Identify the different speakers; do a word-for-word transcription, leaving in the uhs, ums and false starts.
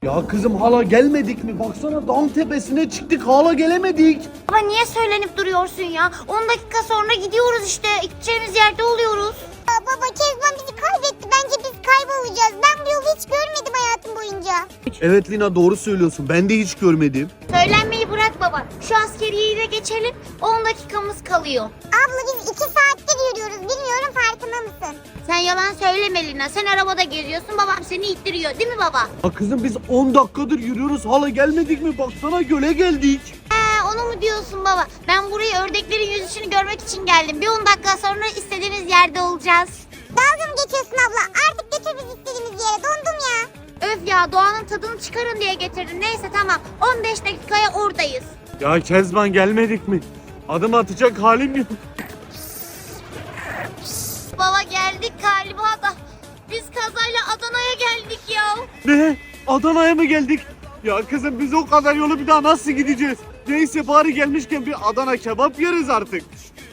Speaker 1: Ya kızım hala gelmedik mi? Baksana dağın tepesine çıktık hala gelemedik.
Speaker 2: Baba niye söylenip duruyorsun ya? on dakika sonra gidiyoruz işte. Gideceğimiz yerde oluyoruz.
Speaker 3: Ya baba Kezban bizi kaybetti. Bence biz kaybolacağız. Ben bu yolu hiç görmedim hayatım boyunca.
Speaker 1: Evet Lina doğru söylüyorsun. Ben de hiç görmedim.
Speaker 2: Söylenmeyi bırak baba. Şu askeriyeyi de geçelim. on dakikamız kalıyor.
Speaker 3: Abla biz iki saattir yürüyoruz. Bilmiyorum farkında mısın?
Speaker 2: Sen yalan söyleme Lina. Sen arabada geziyorsun. Babam seni ittiriyor değil mi baba?
Speaker 1: Ya kızım biz on dakikadır yürüyoruz hala gelmedik mi? Baksana göle geldik.
Speaker 2: He, onu mu diyorsun baba? Ben buraya ördeklerin yüzüşünü görmek için geldim. Bir on dakika sonra istediğimiz yerde olacağız.
Speaker 3: Dalga mı geçiyorsun abla? Artık götür bizi istediğimiz yere. Dondum ya.
Speaker 2: Öf ya, doğanın tadını çıkarın diye getirdim. Neyse tamam. on beş dakikaya oradayız.
Speaker 1: Ya Kezban gelmedik mi? Adım atacak halim yok.
Speaker 2: Baba geldik galiba da. Biz kazayla Adana'ya geldik ya.
Speaker 1: Ne? Adana'ya mı geldik? Ya kızım biz o kadar yolu bir daha nasıl gideceğiz? Neyse bari gelmişken bir Adana kebap yeriz artık.